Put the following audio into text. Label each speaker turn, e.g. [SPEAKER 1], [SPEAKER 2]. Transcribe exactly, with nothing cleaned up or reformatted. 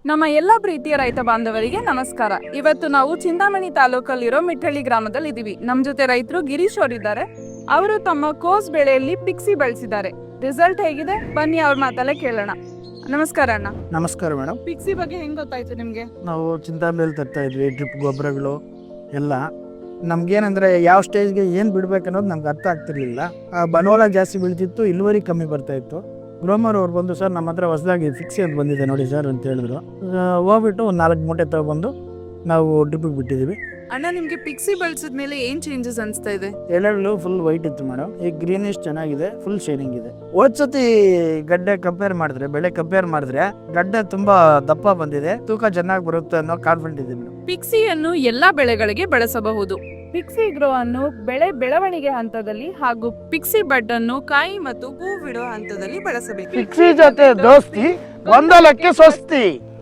[SPEAKER 1] ನಮ್ಮ ಎಲ್ಲ ಪ್ರೀತಿಯ ರೈತ ಬಾಂಧವರಿಗೆ ನಮಸ್ಕಾರ. ಇವತ್ತು ನಾವು ಚಿಂತಾಮಣಿ ತಾಲೂಕಲ್ಲಿರೋ ಮಿಠಳ್ಳಿ ಗ್ರಾಮದಲ್ಲಿ ಇದೀವಿ. ನಮ್ಮ ಜೊತೆ ರೈತರು ಗಿರೀಶ್ ಅವರಿದ್ದಾರೆ. ಅವರು ತಮ್ಮ ಕೋಸ್ ಬೆಳೆಯಲ್ಲಿ ಪಿಕ್ಸಿ ಬೆಳೆಸಿದ್ದಾರೆ. ರಿಸಲ್ಟ್ ಹೇಗಿದೆ ಬನ್ನಿ ಅವ್ರ ಮಾತಲ್ಲೇ ಕೇಳೋಣ. ನಮಸ್ಕಾರ ಅಣ್ಣ.
[SPEAKER 2] ನಮಸ್ಕಾರ ಮೇಡಮ್.
[SPEAKER 1] ಪಿಕ್ಸಿ ಬಗ್ಗೆ ಹೆಂಗ್ ಗೊತ್ತಾಯ್ತು ನಿಮ್ಗೆ?
[SPEAKER 2] ನಾವು ಚಿಂತಾಮಣಿಯಲ್ಲಿ ತರ್ತಾ ಇದ್ವಿ ಡ್ರಿಪ್ ಗೊಬ್ಬರಗಳು ಎಲ್ಲ. ನಮ್ಗೇನಂದ್ರೆ ಯಾವ ಸ್ಟೇಜ್ಗೆ ಏನು ಬಿಡ್ಬೇಕು ಅನ್ನೋದು ನಮ್ಗೆ ಅರ್ಥ ಆಗ್ತಿರ್ಲಿಲ್ಲ. ಬಂಡವಾಳ ಜಾಸ್ತಿ ಬೀಳ್ತಿತ್ತು, ಇಳುವರಿ ಕಮ್ಮಿ ಬರ್ತಾ ಇತ್ತು. ಗ್ರೋಮರ್ ಅವ್ರು ಬಂದು ಸರ್ ನಮ್ಮ ಹತ್ರ ಹೊಸದಾಗಿ ಫಿಕ್ಸಿ ಅಂತ ಬಂದಿದೆ ನೋಡಿ ಸರ್ ಅಂತ ಹೇಳಿದ್ರು. ಹೋಗ್ಬಿಟ್ಟು ಒಂದು ನಾಲ್ಕು ಮೂಟೆ ತಗೊಬಂದು ನಾವು ಡ್ರಿಪ್ಪಿಗೆ ಬಿಟ್ಟಿದ್ದೀವಿ.
[SPEAKER 1] ಅಣ್ಣ, ನಿಮ್ಗೆ ಪಿಕ್ಸಿ ಬಳಸಿದ್ಮೇಲೆ ಏನ್ ಚೇಂಜಸ್ ಅನಿಸ್ತಾ ಇದೆ?
[SPEAKER 2] ಎಲೆಗಳು ಫುಲ್ ವೈಟ್ ಇತ್ತು ಮೇಡಮ್, ಈಗ ಗ್ರೀನಿಶ್ ಚೆನ್ನಾಗಿದೆ, ಫುಲ್ ಶೈನಿಂಗ್ ಇದೆ. ಹೋದ್ಸತಿ ಗಡ್ಡೆ ಕಂಪೇರ್ ಮಾಡಿದ್ರೆ, ಬೆಳೆ ಕಂಪೇರ್ ಮಾಡಿದ್ರೆ ಗಡ್ಡೆ ತುಂಬಾ ದಪ್ಪ ಬಂದಿದೆ, ತೂಕ ಚೆನ್ನಾಗಿ ಬರುತ್ತೆ ಅನ್ನೋ ಕಾನ್ಫಿಡೆಂಟ್ ಇದೆ ಮೇಡಮ್.
[SPEAKER 1] ಪಿಕ್ಸಿಯನ್ನು ಎಲ್ಲಾ ಬೆಳೆಗಳಿಗೆ ಬಳಸಬಹುದು. ಪಿಕ್ಸಿ ಗ್ರೋ ಅನ್ನು ಬೆಳೆ ಬೆಳವಣಿಗೆ ಹಂತದಲ್ಲಿ ಹಾಗೂ ಪಿಕ್ಸಿ ಬಡ್ ಅನ್ನು ಕಾಯಿ ಮತ್ತು ಹೂ ಬಿಡುವ ಹಂತದಲ್ಲಿ ಬಳಸಬೇಕು.
[SPEAKER 2] ಪಿಕ್ಸಿ ಜೊತೆ ದೋಸ್ತಿ ಗೊಂದಲಕ್ಕೆ ಸ್ವಸ್ತಿ.